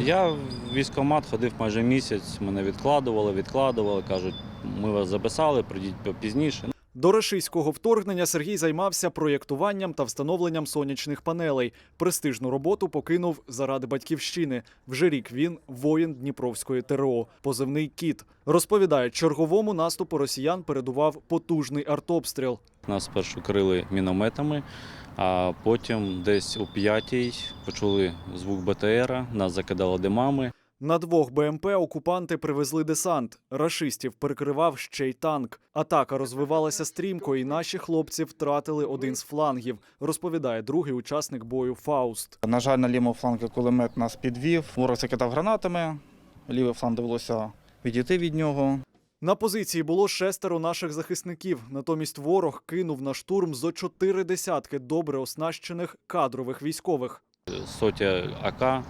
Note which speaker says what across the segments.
Speaker 1: Я в військкомат ходив майже місяць, мене відкладували, кажуть, ми вас записали, прийдіть пізніше.
Speaker 2: До рашистського вторгнення Сергій займався проєктуванням та встановленням сонячних панелей. Престижну роботу покинув заради батьківщини. Вже рік він воїн Дніпровської ТРО, позивний «Кіт». Розповідає, черговому наступу росіян передував потужний артобстріл.
Speaker 1: Нас спершу крили мінометами, а потім десь о 5-й почули звук БТРа, нас закидало димами.
Speaker 2: На 2 БМП окупанти привезли десант. Рашистів перекривав ще й танк. Атака розвивалася стрімко, і наші хлопці втратили один з флангів, розповідає другий учасник бою Фауст.
Speaker 3: На жаль, на лівому флангу кулемет нас підвів. Ворог закидав гранатами, лівий фланг довелося відійти від нього.
Speaker 2: На позиції було 6 наших захисників. Натомість ворог кинув на штурм зо 4 десятки добре оснащених кадрових військових.
Speaker 1: Сотня АК,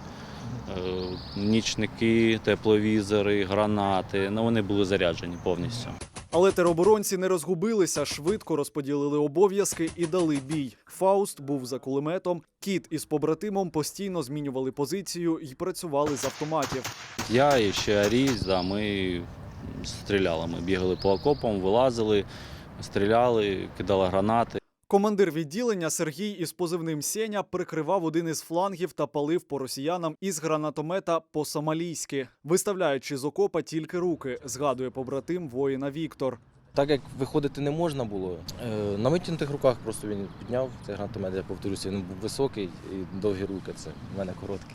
Speaker 1: нічники, тепловізори, гранати. Вони були заряджені повністю.
Speaker 2: Але тероборонці не розгубилися, швидко розподілили обов'язки і дали бій. Фауст був за кулеметом, Кіт із побратимом постійно змінювали позицію і працювали з автоматів.
Speaker 1: Я і ще Аріс, ми стріляли. Ми бігали по окопам, вилазили, стріляли, кидали гранати.
Speaker 2: Командир відділення Сергій із позивним «Сеня» прикривав один із флангів та палив по росіянам із гранатомета по-сомалійськи, виставляючи з окопа тільки руки, згадує побратим воїна Віктор.
Speaker 4: Так як виходити не можна було, на витягнутих руках просто він підняв цей гранатомет, я повторюся, він був високий і довгі руки, це в мене короткі.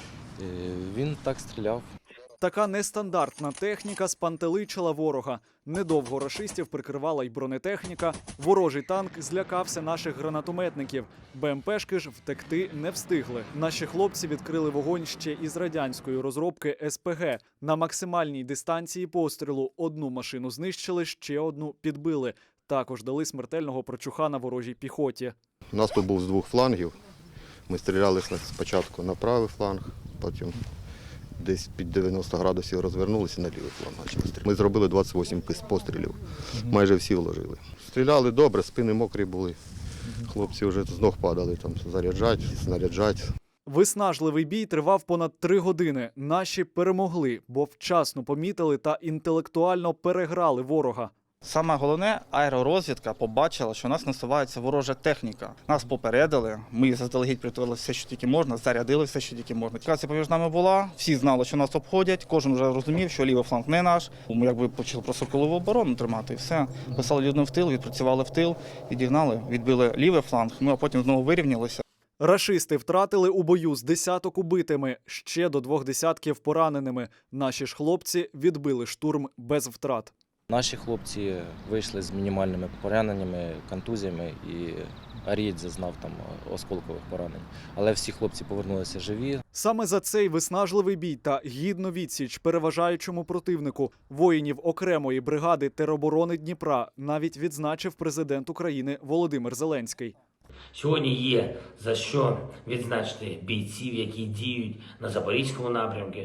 Speaker 4: Він так стріляв.
Speaker 2: Така нестандартна техніка спантеличила ворога. Недовго рашистів прикривала й бронетехніка. Ворожий танк злякався наших гранатометників. БМПшки ж втекти не встигли. Наші хлопці відкрили вогонь ще із радянської розробки СПГ. На максимальній дистанції пострілу одну машину знищили, ще одну підбили. Також дали смертельного прочуха ворожій піхоті.
Speaker 5: Наступ був з 2 флангів. Ми стріляли спочатку на правий фланг, потім десь під 90 градусів розвернулися на лівий фланг. Ми зробили 28 пострілів, майже всі вложили. Стріляли добре, спини мокрі були. Хлопці вже з ног падали, заряджать, снаряджать.
Speaker 2: Виснажливий бій тривав понад 3 години. Наші перемогли, бо вчасно помітили та інтелектуально переграли ворога.
Speaker 3: Саме головне, аеророзвідка побачила, що у нас насувається ворожа техніка. Нас попередили, ми заздалегідь приготували все, що тільки можна, зарядили все, що тільки можна. Комунікація поміж нами була, всі знали, що нас обходять, кожен вже розумів, що лівий фланг не наш. Ми якби почали просто колову оборону тримати і все. Писали людям в тил, відпрацювали в тил, відігнали, відбили лівий фланг, а потім знову вирівнялися.
Speaker 2: Рашисти втратили у бою з десяток убитими, ще до 2 десятків пораненими. Наші ж хлопці відбили штурм без втрат.
Speaker 4: Наші хлопці вийшли з мінімальними пораненнями, контузіями, і Арієць зазнав там осколкових поранень. Але всі хлопці повернулися живі.
Speaker 2: Саме за цей виснажливий бій та гідну відсіч переважаючому противнику воїнів окремої бригади тероборони Дніпра навіть відзначив президент України Володимир Зеленський.
Speaker 6: Сьогодні є за що відзначити бійців, які діють на Запорізькому напрямку.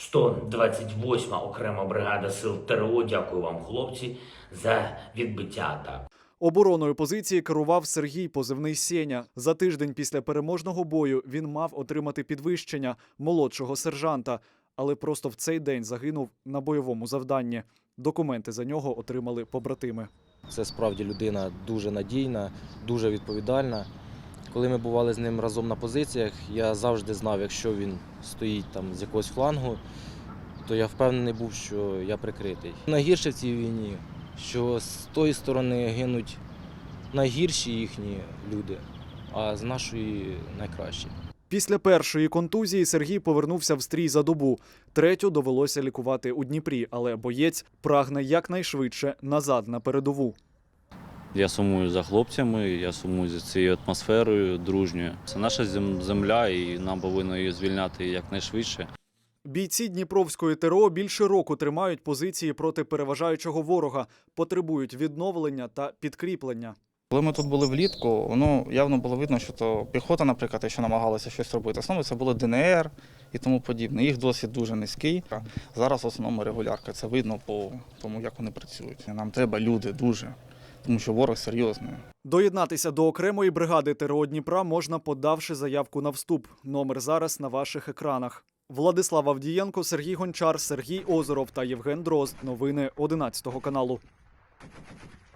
Speaker 6: 128-ма окрема бригада сил ТРО. Дякую вам, хлопці, за відбиття атак.
Speaker 2: Обороною позиції керував Сергій, позивний «Сеня». За тиждень після переможного бою він мав отримати підвищення молодшого сержанта, але просто в цей день загинув на бойовому завданні. Документи за нього отримали побратими.
Speaker 4: Це справді людина дуже надійна, дуже відповідальна. Коли ми бували з ним разом на позиціях, я завжди знав, якщо він стоїть там з якогось флангу, то я впевнений був, що я прикритий. Найгірше в цій війні, що з тої сторони гинуть найгірші їхні люди, а з нашої найкращі.
Speaker 2: Після першої контузії Сергій повернувся в стрій за добу. Третю довелося лікувати у Дніпрі, але боєць прагне якнайшвидше назад на передову.
Speaker 1: Я сумую за хлопцями, я сумую за цією атмосферою дружньою. Це наша земля, і нам повинно її звільняти якнайшвидше.
Speaker 2: Бійці Дніпровської ТРО більше року тримають позиції проти переважаючого ворога, потребують відновлення та підкріплення.
Speaker 3: Коли ми тут були влітку, явно було видно, що то піхота, наприклад, що намагалася щось робити. В основному це було ДНР і тому подібне. Їх досвід дуже низький. Зараз в основному регулярка. Це видно по тому, як вони працюють. Нам треба люди дуже, тому що ворог серйозний.
Speaker 2: Доєднатися до окремої бригади ТРО Дніпра можна, подавши заявку на вступ. Номер зараз на ваших екранах. Владислав Авдієнко, Сергій Гончар, Сергій Озеров та Євген Дрозд. Новини 11 каналу.